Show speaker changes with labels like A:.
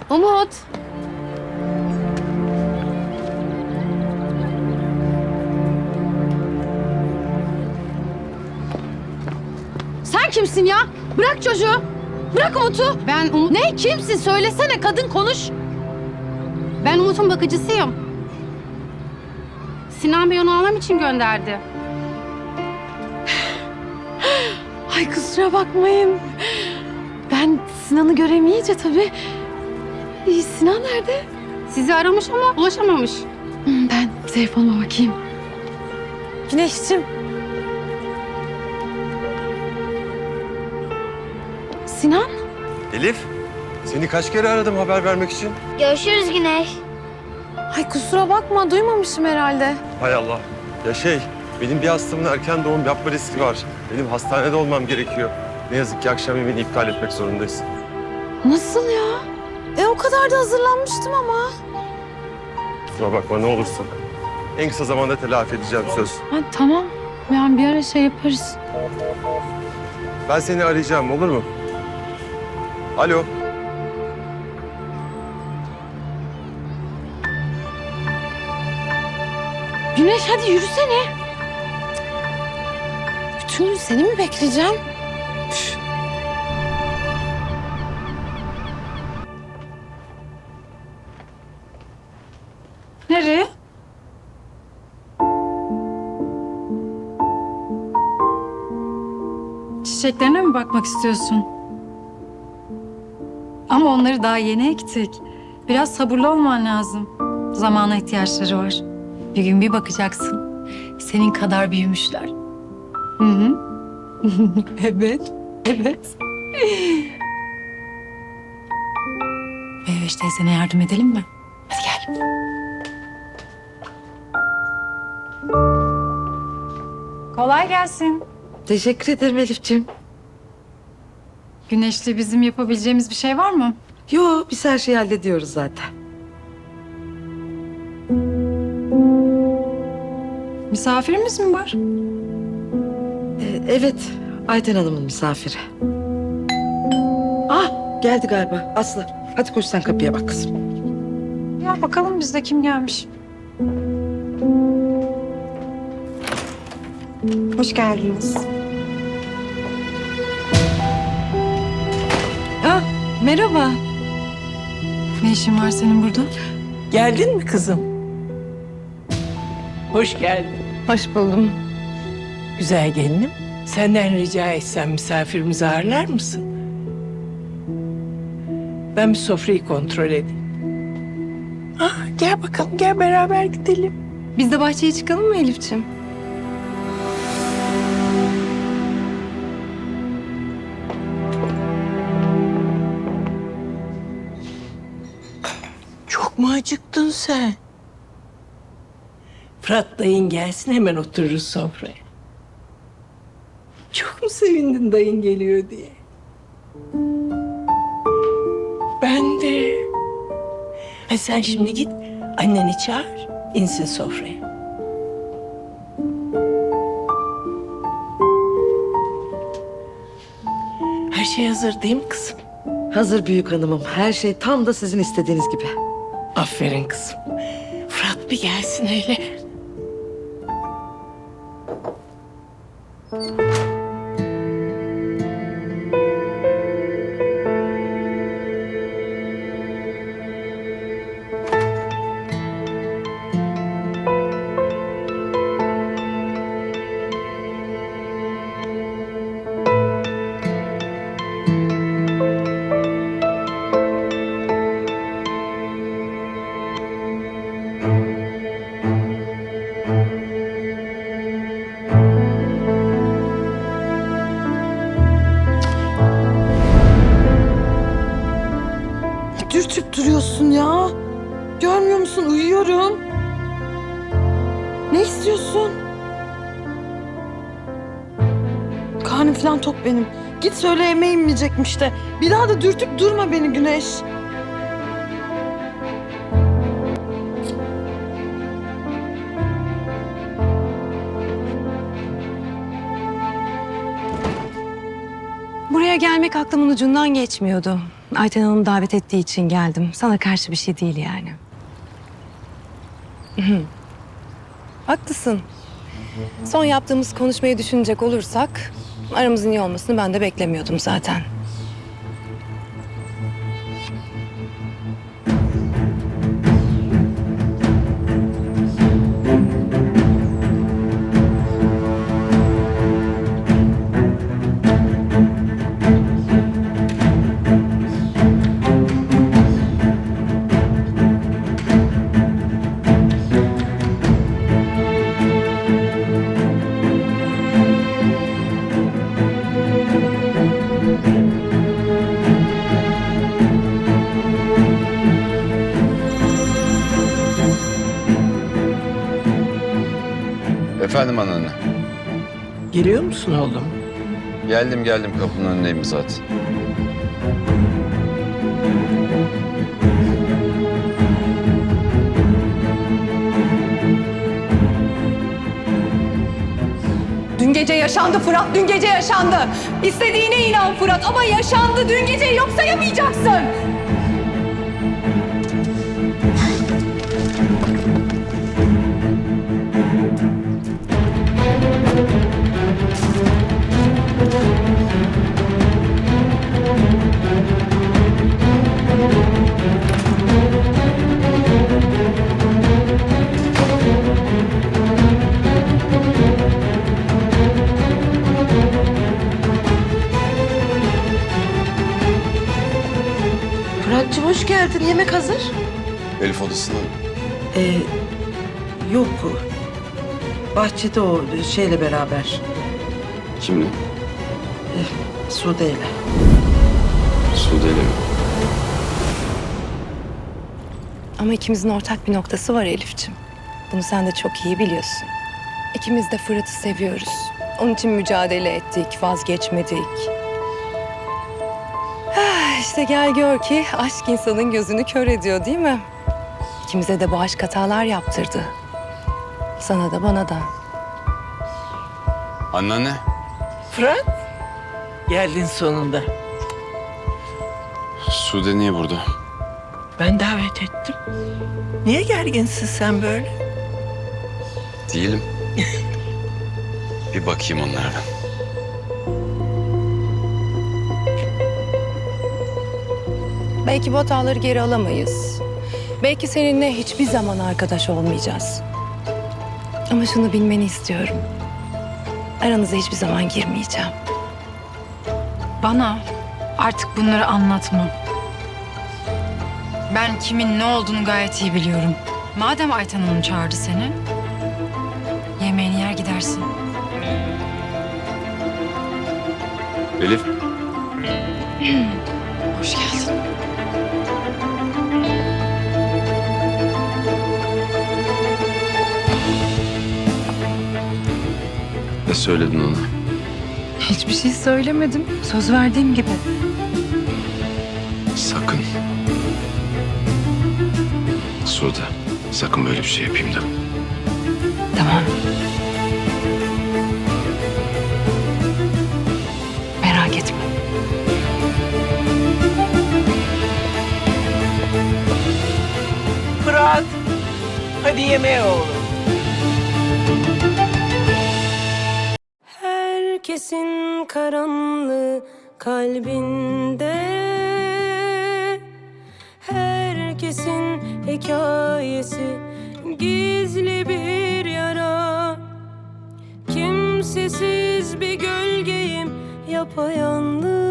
A: Umut. Sen kimsin ya? Bırak çocuğu. Bırak Umut'u. Ben Umut... Ne? Kimsin? Söylesene. Kadın konuş. Ben Umut'un bakıcısıyım. Sinan Bey onu almam için gönderdi. Ay kusura bakmayın. Ben Sinan'ı göremeyince tabii. Sinan nerede? Sizi aramış ama ulaşamamış. Ben telefonuma bakayım. Güneşciğim. Sinan?
B: Elif, seni kaç kere aradım haber vermek için?
C: Görüşürüz Güneş.
A: Ay kusura bakma duymamışım herhalde.
B: Hay Allah. Ya benim bir hastamın erken doğum yapma riski var. Benim hastanede olmam gerekiyor. Ne yazık ki akşam yemeğini iptal etmek zorundayız.
A: Nasıl ya? O kadar da hazırlanmıştım ama.
B: Kusura bakma ne olursun. En kısa zamanda telafi edeceğim söz.
A: Ha, tamam. Yani bir ara şey yaparız.
B: Ben seni arayacağım olur mu? Alo.
A: Güneş hadi yürüsene. Bütün gün seni mi bekleyeceğim? Nereye?
D: Çiçeklerine mi bakmak istiyorsun? Ama onları daha yeni ektik. Biraz sabırlı olman lazım. Zamana ihtiyaçları var. Bir gün bir bakacaksın. Senin kadar büyümüşler. Hı hı. Evet, evet. Meyveş teyzene yardım edelim mi? Hadi gel. Kolay gelsin.
E: Teşekkür ederim Elifciğim.
D: Güneş'le bizim yapabileceğimiz bir şey var mı?
E: Yo, biz her şeyi hallediyoruz zaten.
D: Misafirimiz mi var?
E: Evet, Ayten Hanım'ın misafiri. Ah, geldi galiba Aslı. Hadi koş sen kapıya bak kızım.
D: Ya bakalım bizde kim gelmiş? Hoş geldiniz.
E: Ah, merhaba.
D: Ne işin var senin burada?
F: Geldin mi kızım? Hoş geldin.
A: Hoş buldum.
F: Güzel gelinim. Senden rica etsem misafirimizi ağırlar mısın? Ben bir sofrayı kontrol edeyim. Ah, gel bakalım, gel beraber gidelim.
D: Biz de bahçeye çıkalım mı Elifciğim?
F: Çok mu acıktın sen? Fırat dayın gelsin hemen otururuz sofraya. Çok mu sevindin dayın geliyor diye? Ben de. Hadi sen şimdi git anneni çağır, insin sofraya. Her şey hazır değil mi kızım?
E: Hazır büyük hanımım. Her şey tam da sizin istediğiniz gibi.
F: Aferin kızım. Fırat bir gelsin hele.
A: Dürtüp duruyorsun ya. Görmüyor musun? Uyuyorum. Ne istiyorsun? Karnım falan tok benim. Git söyle yemeğim yiyecekmiş de. Bir daha da dürtüp durma beni Güneş.
C: Buraya gelmek aklımın ucundan geçmiyordu. Ayten Hanım davet ettiği için geldim. Sana karşı bir şey değil yani. Haklısın. Son yaptığımız konuşmayı düşünecek olursak... aramızın iyi olmasını ben de beklemiyordum zaten.
G: Efendim anneanne.
F: Geliyor musun oğlum?
G: Geldim kapının önündeyim zaten.
C: Dün gece yaşandı Fırat, dün gece yaşandı. İstediğine inan Fırat ama yaşandı. Dün gece yok sayamayacaksın.
E: Fırat'cığım hoş geldin. Yemek hazır.
G: Elif odasında mı?
E: Yok. Bahçede o şeyle beraber.
G: Kimle?
E: Sude'yle.
G: Sude'yle mi?
C: Ama ikimizin ortak bir noktası var Elif'ciğim. Bunu sen de çok iyi biliyorsun. İkimiz de Fırat'ı seviyoruz. Onun için mücadele ettik, vazgeçmedik. İşte gel gör ki aşk insanın gözünü kör ediyor değil mi? İkimize de bu aşk hatalar yaptırdı. Sana da bana da.
G: Anneanne.
F: Fırat, geldin sonunda.
G: Sude niye burada?
F: Ben davet ettim. Niye gerginsin sen böyle?
G: Değilim. Bir bakayım onlara ben.
C: Belki bu hataları geri alamayız. Belki seninle hiçbir zaman arkadaş olmayacağız. Ama şunu bilmeni istiyorum. Aranıza hiçbir zaman girmeyeceğim.
D: Bana artık bunları anlatma. Ben kimin ne olduğunu gayet iyi biliyorum. Madem Ayten Hanım çağırdı seni, yemeğini yer gidersin.
G: Elif.
D: Hoş geldin.
G: Ne söyledin ona?
D: Hiçbir şey söylemedim. Söz verdiğim gibi.
G: Sakın. Sude, sakın böyle bir şey yapayım deme.
C: Tamam. Merak etme.
F: Fırat, hadi yemeğe oğlum.
H: Herkesin karanlığı kalbinde, herkesin hikayesi gizli bir yara. Kimsesiz bir gölgeyim yapayalnız.